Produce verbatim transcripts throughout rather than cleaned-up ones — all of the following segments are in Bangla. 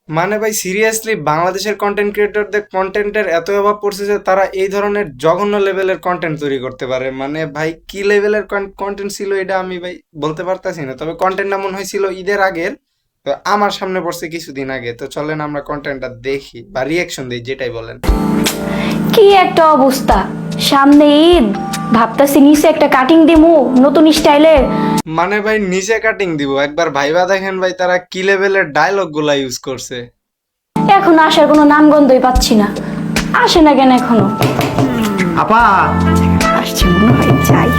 মানে ভাই সিরিয়াসলি বাংলাদেশের কন্টেন্ট ক্রিয়েটরদের কন্টেন্টের এত অভাব পড়ছে যে তারা এই ধরনের জঘন্য লেভেলের কন্টেন্ট তৈরি করতে পারে। মানে ভাই কি লেভেলের কন্টেন্ট ছিল এটা আমি ভাই বলতে পারতাছি না, তবে কন্টেন্টটা মনে হয়েছিল ঈদের আগের। তো আমার সামনে পড়ছে কিছুদিন আগে, তো চলেন আমরা কন্টেন্টটা দেখি বা রিয়াকশন দিই, যেটাই বলেন। কি একটা অবস্থা! সামনে ঈদ, ভাবতাছি নিচে একটা কাটিং দিমু নতুন স্টাইলের। মানে ভাই নিচে কাটিং দিব, একবার ভাইবা দেখেন ভাই তারা কি লেভেলের ডায়লগ গুলা ইউজ করছে। এখন আসার কোনো নামগন্ধই পাচ্ছি না। আসে না কেন এখনো? আপা, আসছে মনে হয়, যাই।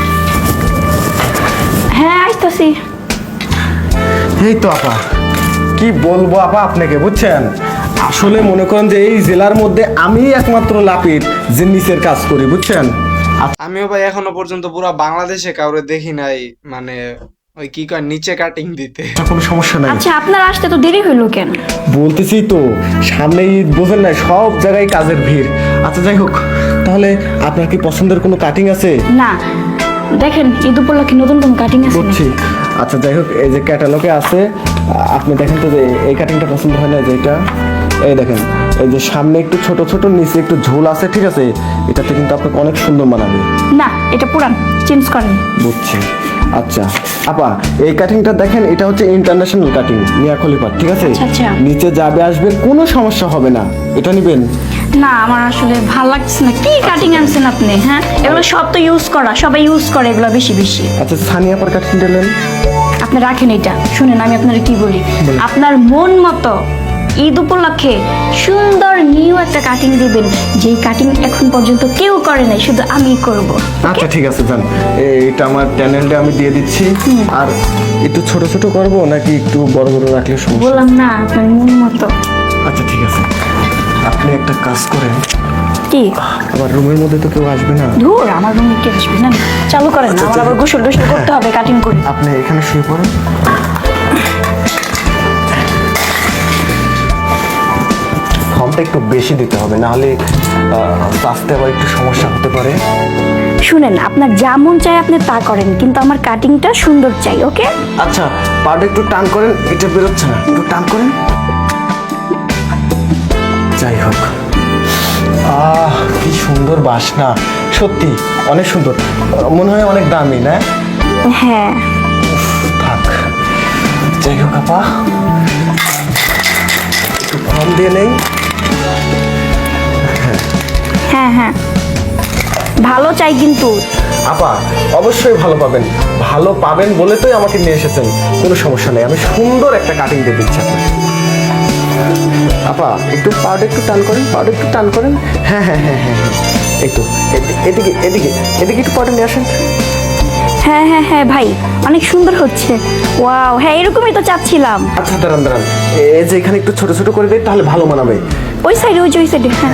হ্যাঁ, আসতেছি। এই তো আপা, কি বলবো আপা আপনাকে, বুঝছেন? আসলে মনে করেন যে এই জেলার মধ্যে আমি একমাত্র লাপিত যে নিচের কাজ করি, বুঝছেন? আমিও ভাই এখনো পর্যন্ত পুরা বাংলাদেশে কাউরে দেখি নাই মানে ওই কি কয় নিচে কাটিং দিতে। আচ্ছা, কোনো সমস্যা নাই। আচ্ছা, আপনার আসতে তো দেরি হইলো কেন? বলতেছি তো, সামনে ঈদ, বোঝেন না, সব জায়গায় কাজের ভিড়। আচ্ছা যাই হোক, তাহলে আপনার কি পছন্দের কোনো কাটিং আছে? না, দেখেন ঈদ উপলক্ষে নতুন কোন কাটিং আছে? বুঝছি। আচ্ছা যাই হোক, এই যে ক্যাটালগে আছে, আপনি দেখেন তো যে এই কাটিংটা পছন্দ হয় না, যেটা এই দেখেন, এই যে সামনে একটু ছোট ছোট, নিচে একটু ঝোল আছে, ঠিক আছে? এটাতে কিন্তু আপনাকে অনেক সুন্দর মানাবে। না, এটা পুরান, চেঞ্জ করেন। বুঝছি। আচ্ছা আপা, এই কাটিংটা দেখেন, এটা হচ্ছে ইন্টারন্যাশনাল কাটিং, মিয়া খলিফা, ঠিক আছে? আচ্ছা, আচ্ছা। নিচে যাবে আসবে কোনো সমস্যা হবে না, এটা নিবেন? না, আমার আসলে ভাল লাগছে না। কি কাটিং আনছেন আপনি? হ্যাঁ, এগুলো সব তো ইউজ করা, সবাই ইউজ করে এগুলো বেশি বেশি। আচ্ছা, সানিয়া আপার কাটিং দিলেন? আপনি রাখেন এটা। শুনেন, আমি আপনার কি বলি, আপনার মন মতো ঈদ উপলক্ষে সুন্দর নিউ একটা কাটিং দিবেন, যেই কাটিং এখন পর্যন্ত কেউ করে নাই, শুধু আমি করব। আচ্ছা ঠিক আছে, যান, এটা আমার চ্যানেলটা আমি দিয়ে দিচ্ছি। আর একটু ছোট ছোট করব নাকি একটু বড় বড় রাখলে সমস্যা? বললাম না, আপনার মন মতো। আচ্ছা ঠিক আছে, আপনি একটা কাজ করেন, কি? আমার রুমের মধ্যে তো কেউ আসবে না। ধুর, আমার রুমে কে আসবে না? চালু করেন না, আমার আবার গোসল টোসল করতে হবে কাটিং করে। আপনি এখানে শুয়ে পড়েন। ফর্মটা একটু বেশি দিতে হবে, নাহলে বাঁচতে আবার একটু সমস্যা হতে পারে। শুনেন, আপনার যা মন চাই আপনি তা করেন, কিন্তু আমার কাটিংটা সুন্দর চাই, ওকে? আচ্ছা, পাটা একটু টান করেন, এটা বেরোচ্ছে না, একটু টান করেন। যাই হোক, আহ কি সুন্দর বাসনা, সত্যি অনেক সুন্দর, মনে হয় অনেক দামি, না? হ্যাঁ। থাক, যাই হোক আপা, একটু ফর্ম দিয়ে নেই। হ্যাঁ হ্যাঁ, ভালো চাই কিন্তু। আপা অবশ্যই ভালো পাবেন, ভালো পাবেন বলে তোই আমাকে নিয়ে এসেছেন, কোনো সমস্যা নেই, আমি সুন্দর একটা কাটিং দিয়ে দিচ্ছি আপনাকে। আপা একটু পাউডার একটু টান করেন, পাউডার একটু টান করেন। হ্যাঁ হ্যাঁ হ্যাঁ হ্যাঁ হ্যাঁ, একটু এদি- এদিকে এদিকে এদিকে একটু পাউডার নিয়ে আসেন। হ্যাঁ হ্যাঁ হ্যাঁ ভাই, অনেক সুন্দর হচ্ছে। ওয়াও, হ্যাঁ এরকমই তো চাচ্ছিলাম। আচ্ছা দাঁড়ান দাঁড়ান, এই যে এখানে একটু ছোট ছোট করে দিই, তাহলে ভালো মানাবে। ওই সাইডে, ওই যে ওই সাইডে। হ্যাঁ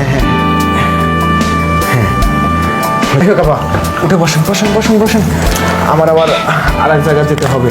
যাই হোক আপা, উঠে বসেন বসেন বসেন বসেন, আমার আবার আর এক জায়গায় যেতে হবে।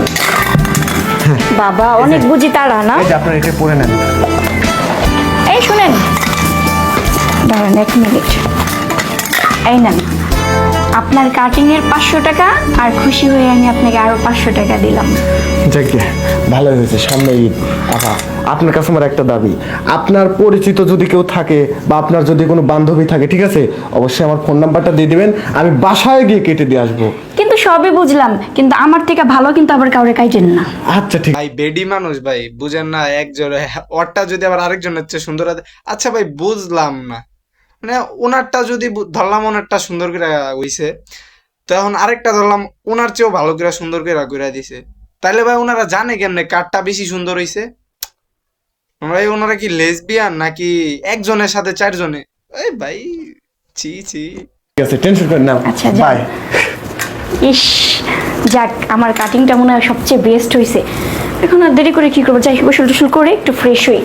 বাবা, অনেক বুঝি তারা না? এই যে আপনার এটা পরে নেন। এই শুনেন, দাঁড়ান এক মিনিট। এই নেন আপনার কাটিং এর পাঁচশো টাকা, আর খুশি হয়ে আমি আপনাকে আরো পাঁচশো টাকা দিলাম। যাকে ভালো হয়েছে, সামনে ঈদ। আপা আপনার কাছে আমার একটা দাবি, আপনার পরিচিত যদি কেউ থাকে বা আপনার যদি কোনো বান্ধবী থাকে, ঠিক আছে, অবশ্যই আমার ফোন নাম্বারটা দিয়ে দিবেন, আমি বাসায় গিয়ে কেটে দিয়ে আসবো। কিন্তু সবই বুঝলাম, কিন্তু আমার থেকে ভালো কিন্তু আবার কাউরে কাইটেন না। আচ্ছা ঠিক। ভাই বেডি মানুষ ভাই, বুঝেন না, একজোড়ে ওরটা যদি আবার আরেকজনের চেয়ে সুন্দর হয়। আচ্ছা ভাই বুঝলাম না, মানে ওনারটা যদি বু- ধরলাম ওনারটা সুন্দর করে হইছে, তখন আরেকটা ধরলাম ওনার চেয়েও ভালো করে সুন্দর করে করে দিছে, তাইলে ভাই ওনারা জানে কেমনে কারটা বেশি সুন্দর হইছে? ভাই ওনারা কি লেসবিয়ান নাকি একজনের সাথে চারজনে? এই ভাই, ছি ছি। ঠিক আছে, টেনশন করেন না, আচ্ছা, যান। বাই। ইস, যাক, আমার কাটিংটা মনে হয় সবচেয়ে বেস্ট হয়েছে। এখন আর দেরি করে কি করবো, যাই গোসল টোসল করে একটু ফ্রেশ হই।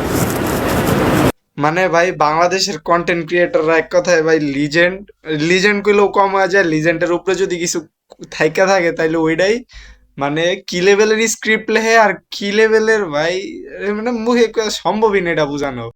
মানে ভাই বাংলাদেশের কন্টেন্ট ক্রিয়েটররা এক কথায় ভাই লিজেন্ড। লিজেন্ড কইলেও কম হয়ে যায়, লিজেন্ডের উপরে যদি কিছু থাইকা থাকে তাইলে ওইটাই মানে কি লেভেলের স্ক্রিপ্ট লেখে আর কি লেভেলের ভাই, মানে মুখে কয়া সম্ভবই না এটা বোঝানো।